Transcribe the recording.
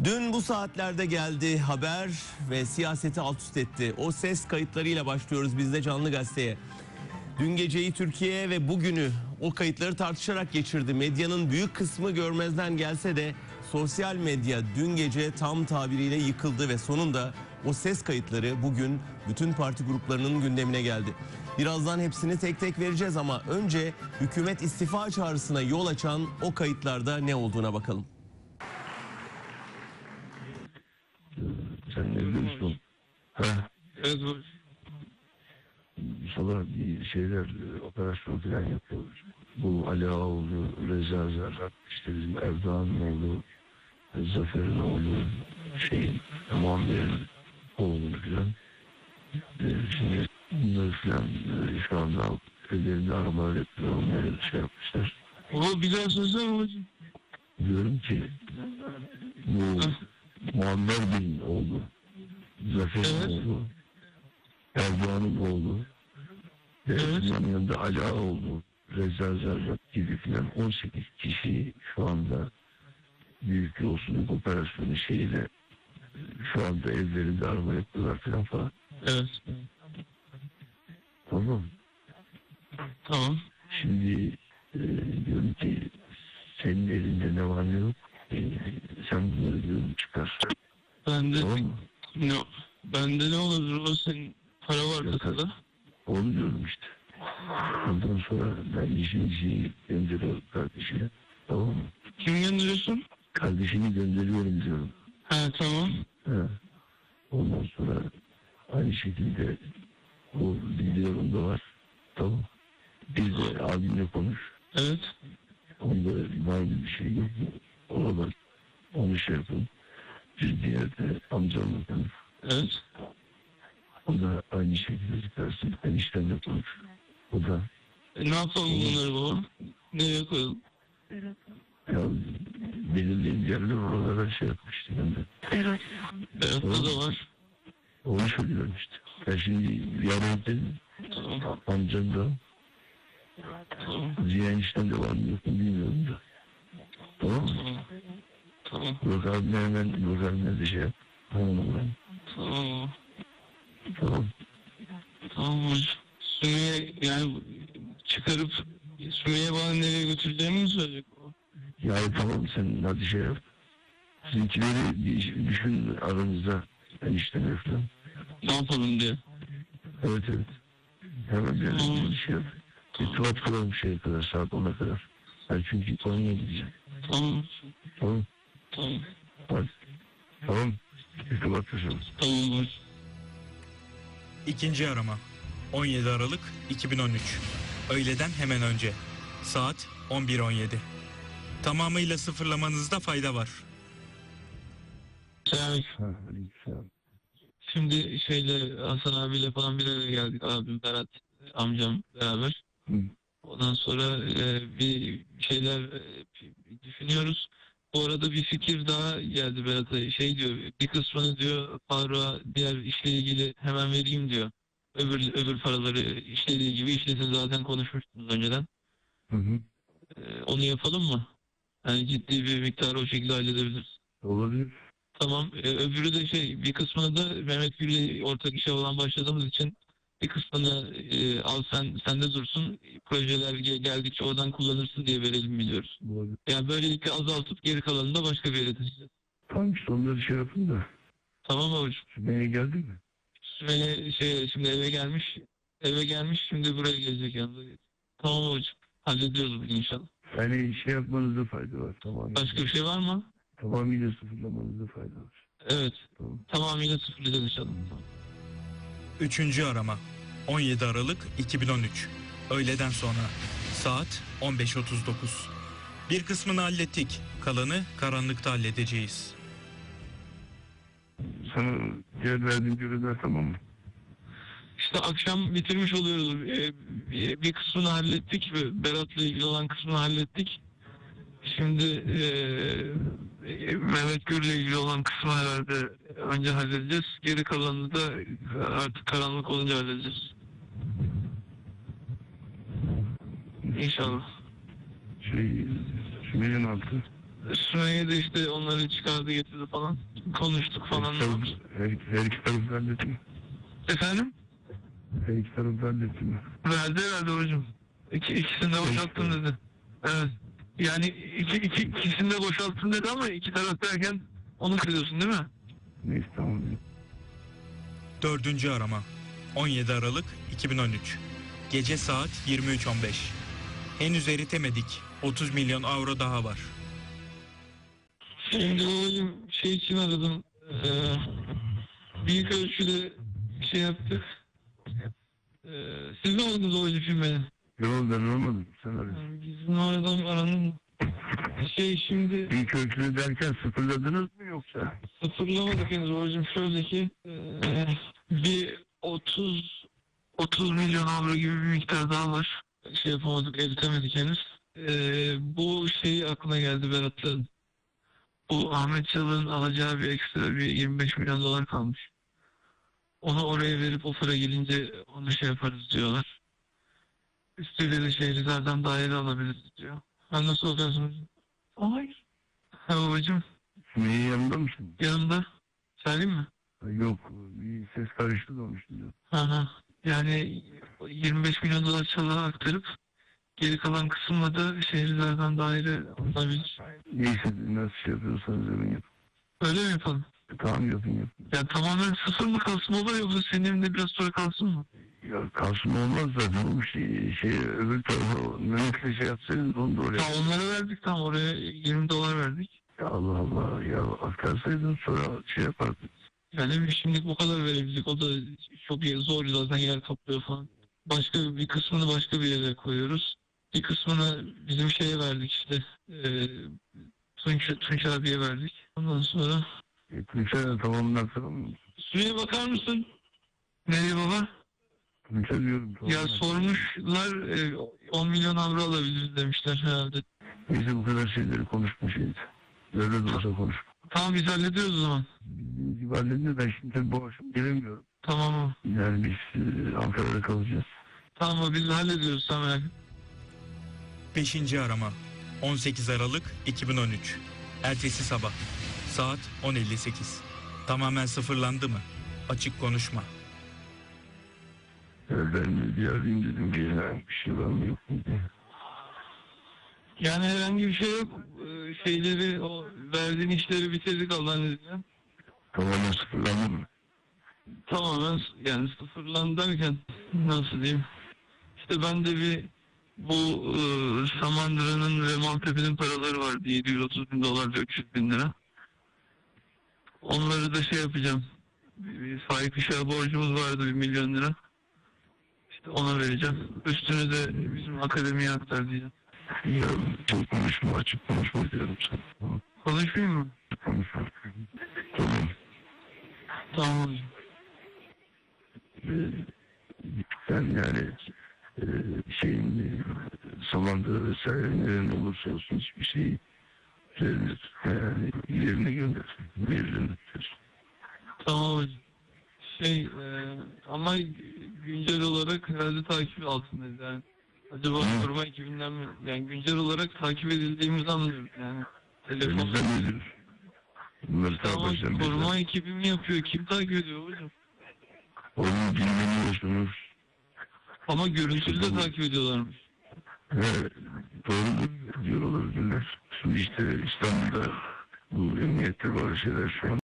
Dün bu saatlerde geldi haber ve siyaseti alt üst etti. O ses kayıtlarıyla başlıyoruz biz de Canlı Gazete'ye. Dün geceyi Türkiye ve bugünü o kayıtları tartışarak geçirdi. Medyanın büyük kısmı görmezden gelse de sosyal medya dün gece tam tabiriyle yıkıldı ve sonunda o ses kayıtları bugün bütün parti gruplarının gündemine geldi. Birazdan hepsini tek tek vereceğiz ama önce hükümet istifa çağrısına yol açan o kayıtlarda ne olduğuna bakalım. Sen ne diyorsun? Evet hocam. Sabah bir şeyler, operasyon falan yapıyoruz. Bu Ali Ağaoğlu, Reza Zerrak, işte bizim Erdoğan'ın oğlu, Zafer'in oğlu, Muammer'in oğlu falan. Şimdi bunları falan şu anda ellerinde arabalar yapıyor, onları şey yapmışlar. O bir daha söylesene hocam. Diyorum ki bu Muammer Bey'in oğlu, Zafer'in oğlu, Erdoğan'ın oğlu, bunun yanında Ali Ağaoğlu, Reza Zerrak gibi filan 18 kişi şu anda büyük yolsuzluk operasyonu şeyiyle şu anda evlerinde arama yapıyorlar falan. Evet. Tamam. Tamam. Şimdi diyorum ki senin elinde ne var ne yok. Sen bunları diyorum çıkarsan. Bende Tamam mı? bende ne olur o senin para var kasada. Onu diyorum işte. Ondan sonra ben işini gönderiyorum kardeşine. Tamam mı? Kim gönderiyorsun? Kardeşini gönderiyorum diyorum. Tamam. Ha. Ondan sonra aynı şekilde o videolarında var. Tamam. Bir de abimle konuş. Evet. Onda var bir şey yok. Ona bak. Onu şey yapın. Bir diğerde amcamla konuş. Evet. O da aynı şekilde çıkarsın. Eniştemle konuş. O da. Ne yapalım bunları baba? Nereye koyalım? Ya belirli yerler oralara şey yapmıştı ben de. Berat'ta da var. Onu söylüyorum işte. Ben şimdi yarın dedim. Tamam. Amcam da. Tamam. Ziya eniştem de var mı yok mu bilmiyorum da. Tamam mı? Tamam. Tamam. Burak abime hemen Burak abime de şey yap. Tamam mı? Tamam. Tamam. Tamam hocam. Sümeyye yani çıkarıp Sümeyye bana nereye götüreceğimi mi söyleyecek o? Ya tamam sen hadi şey yap. Sizinkileri bir düşün aranızda. Eniştem falan. Ne yapalım diye. Evet. Hemen bir şey yap. Bir Tamam. tuvalet kuralım şeye kadar saat 10'a kadar. Ben çünkü Konya'ya gideceğim. Tamam. Tamam. Tamam. Hadi. Tamam. Bir tuvalet kuralım. Tamam hocam. İkinci arama 17 Aralık 2013 öğleden hemen önce saat 11.17 tamamıyla sıfırlamanızda fayda var. Selam. Şimdi Hasan abiyle falan bir araya geldik. Abim Berat, amcam beraber. Hı. Ondan sonra bir şeyler düşünüyoruz. Bu arada bir fikir daha geldi Berat'a. Diyor, bir kısmını diyor Faruk'a diğer işle ilgili hemen vereyim diyor. Öbür paraları işlediği gibi işlesin, zaten konuşmuştunuz önceden. Hı. Onu yapalım mı? Yani ciddi bir miktarı o şekilde halledebiliriz. Olabilir. Tamam. Öbürü de bir kısmını da Mehmet Gül'le ortak işe olan başladığımız için bir kısmını al sende dursun. Projeler geldikçe oradan kullanırsın diye verelim biliyoruz. Olabilir. Yani böylelikle azaltıp geri kalanını da başka bir yere taşıyacağız. Tamam işte onları şey yapın da. Tamam mı hocam? Sümeyye geldi mi? Sümeyye şimdi eve gelmiş. Eve gelmiş, şimdi buraya gelecek yanında. Tamam hocam. Hallediyoruz bugün inşallah. Yani şey yapmanızda fayda var. Tamam. Başka bir şey var mı? Tamamıyla sıfırlamanızda fayda var. Evet. Tamam. Tamamıyla sıfırlayacağız inşallah. Tamam. Üçüncü arama 17 Aralık 2013 öğleden sonra saat 15.39 bir kısmını hallettik, kalanı karanlıkta halledeceğiz. Sana diğer verdiğim görevler tamam mı? İşte akşam bitirmiş oluyoruz. Bir kısmını hallettik. Berat'la ilgili olan kısmını hallettik. Şimdi Mehmet Gür'le ilgili olan kısmı herhalde önce halledeceğiz. Geri kalanını da artık karanlık olunca halledeceğiz. İnşallah. Sümeyye'nin altı. Sümeyye de işte onları çıkardı getirdi falan. Konuştuk falan. Her iki taraf halletti mi? Efendim? Her iki taraf halletti mi? Verdi herhalde hocam. İkisini de boşalttım dedi. Evet. Yani ikisini de boşalttım dedi ama iki taraf derken onu kırıyorsun değil mi? Neyse tamam. 4. arama 17 Aralık 2013 Gece saat 23.15 Henüz eritemedik. 30 milyon avro daha var. Şimdi hocam şey için aradım. Büyük ölçüde şey yaptık. Siz mi aradınız hocam şimdi beni? Yok ben olmadım. Sen arıyorsun. Yani bizim aradan aranın şey şimdi İlk ölçülü derken sıfırladınız mı yoksa? sıfırlamadık henüz hocam. Şöyle ki bir 30 milyon avro gibi bir miktar daha var. Şey yapamadık, eritemedik henüz. Bu şey aklına geldi Berat'ın. Bu Ahmet Çalık'ın alacağı bir ekstra bir 25 milyon dolar kalmış. Onu oraya verip o para gelince onu şey yaparız diyorlar. Üstüyle de şehirlerden daire alabiliriz diyor. Ben nasıl olacaksın? Hayır. Ha babacığım Sümeyye yanında mısın? yanımda. Söyleyeyim mi? Yok bir ses karıştı da onun için diyorum. Hı. Yani 25 milyon dolar Çalık'a aktarıp geri kalan kısımla da şehirlerden daire alabilir. Neyse nasıl şey yapıyorsanız yapın yapın. Öyle mi yapalım? Tamam yapın. Ya tamamen sıfır mı kalsın olur yoksa senin evinde biraz sonra kalsın mı? Ya kalsın olmaz zaten. O şey öbür tarafa Mehmet'le şey yapsaydınız onu da oraya. Ya onlara verdik tam oraya 20 dolar verdik. Ya Allah Allah ya aktarsaydın sonra şey yapardık. Yani şimdilik bu kadar verebildik. O da çok zor zaten yer kaplıyor falan. Başka bir kısmını başka bir yere koyuyoruz. Bir kısmını bizim şeye verdik işte. Tunç abiye verdik. Ondan sonra Tunç'a tamamını aktaralım mı? Süreye bakar mısın? Nereye baba? Tunç'a diyorum. Ya sormuşlar 10 milyon avro alabiliriz demişler herhalde. Neyse bu kadar şeyleri konuşmayacağız. Böyle de olsa konuş. Tamam biz hallediyoruz o zaman. Bildiğiniz gibi halledin ben şimdi tabii bu akşam gelemiyorum. Tamam. Yani biz Ankara'da kalacağız. Tamam biz hallediyoruz tamam. 5. arama 18 Aralık 2013 Ertesi sabah Saat 10.58 Tamamen sıfırlandı mı? Açık konuşma. Ben bir arayayım dedim ki bir şey var mı yok mu diye. Yani herhangi bir şey yok. Şeyleri, o verdiğin işleri bitirdik Allah'ın izniyle. Tamamen sıfırlandı mı? Tamamen yani sıfırlandı derken nasıl diyeyim? İşte ben de bir bu Samandıra'nın ve Maltepe'nin paraları vardı. 730 bin dolar ve 300 bin lira. Onları da şey yapacağım. Bir Faik Işık'a borcumuz vardı 1 milyon lira. İşte ona vereceğim. Üstünü de bizim akademiye aktar diyeceğim. Ya çok konuşma açık konuşma diyorum sana. Tamam. Konuşmayayım mı? Konuşma. Tamam. Tamam hocam. Sen yani şeyin Samandıra vesaire nerede olursa olsun hiçbir şeyi yani yerine gönder. Yerine gönder. Tamam hocam. Ama güncel olarak herhalde takip altındayız yani. Acaba koruma ekibinden mi? Yani güncel olarak takip edildiğimizi anlıyoruz yani. Telefon. Elimizden nedir? Bunları Tamam takip koruma ekibi mi yapıyor? Kim takip ediyor hocam? Onu bilmeniyorsunuz. Ama görüntülü de takip ediyorlarmış. Evet, doğru diyor olabilirler. Şimdi işte İstanbul'da bu emniyette bazı şeyler şu an